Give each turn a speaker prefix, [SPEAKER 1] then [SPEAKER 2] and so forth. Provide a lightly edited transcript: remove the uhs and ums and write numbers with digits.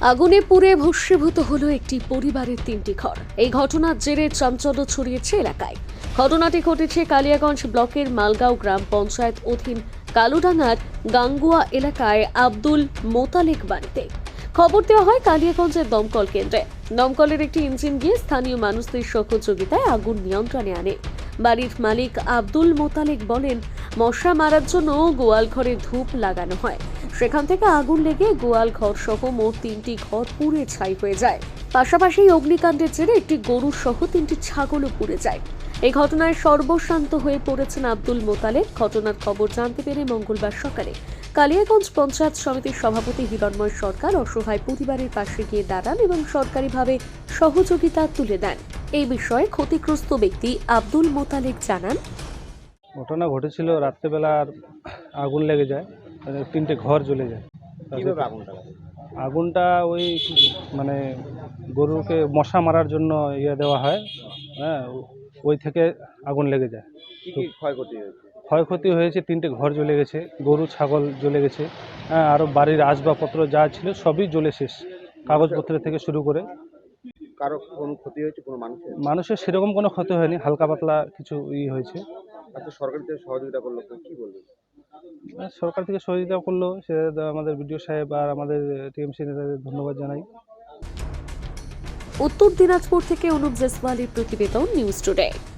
[SPEAKER 1] আগুনে পুড়ে ভস্মীভূত হলো একটি পরিবারের 3টি ঘর। এই ঘটনার জেরে চাঞ্চল্য ছড়িয়েছে এলাকায়। ঘটনাটি ঘটেছে কালিয়াগঞ্জ ব্লকের মালগাঁও গ্রাম পঞ্চায়েত অধীন কালুডাঙ্গার গাঙ্গুয়া এলাকায় আব্দুল মোতালেক বাড়িতে। খবর দেওয়া হয় কালিয়াগঞ্জের দমকল কেন্দ্রে। দমকলের একটি ইঞ্জিন গিয়ে স্থানীয় মানুষদের সহযোগিতায় আগুন নিয়ন্ত্রণে আনে। বাড়ির মালিক আব্দুল মোতালেক বলেন, মশা মারার জন্য গোয়াল ঘরে ধূপ লাগানো হয়, সেখান থেকে আগুন লেগে গোয়াল ঘর সহ মোট 3টি ঘর পুড়ে ছাই হয়ে যায়। পাশাপাশি অগ্নিকাণ্ডের জেরে একটি গরু সহ 3টি ছাগলও পুড়ে যায়। এই ঘটনায় সর্বশান্ত হয়ে পড়েছেন আব্দুল মোতালেক। ঘটনার খবর জানতে পেরে মঙ্গলবার সকালে কালিয়াগঞ্জ পঞ্চায়েত সমিতির সভাপতি হিরণময় সরকার অসহায় পরিবারের পাশে গিয়ে দাঁড়ান এবং সরকারিভাবে সহযোগিতা তুলে দেন। এই বিষয়ে ক্ষতিগ্রস্ত ব্যক্তি আব্দুল মোতালেক জানান,
[SPEAKER 2] ঘটনা ঘটেছিল রাত্রেবেলা আগুন লেগে যায়, 3টে ঘর জ্বলে যায়। আগুনটা ওই মানে গরুকে মশা মারার জন্য দেওয়া হয়, হ্যাঁ, ওই থেকে আগুন লেগে যায়। ক্ষয়ক্ষতি হয়েছে 3টে ঘর জ্বলে গেছে, গরু ছাগল জ্বলে গেছে, হ্যাঁ, আরও বাড়ির আসবাবপত্র যা ছিল সবই জ্বলে শেষ, কাগজপত্র থেকে শুরু করে।
[SPEAKER 3] কারো কোনো ক্ষতি হয়েছে কোনো
[SPEAKER 2] মানুষের সেরকম কোনো ক্ষতি হয়নি, হালকা পাতলা কিছু হয়েছে।
[SPEAKER 3] আচ্ছা, সরকার থেকে সহযোগিতা করলো কি বলবেন?
[SPEAKER 2] সরকার থেকে সহযোগিতা করলো, সে আমাদের বিডিও সাহেব আর আমাদের টিএমসি নেতাদের ধন্যবাদ জানাই।
[SPEAKER 1] উত্তর দিনাজপুর থেকে অনুপ জেসওয়ালের প্রতিবেদন, নিউজ টুডে।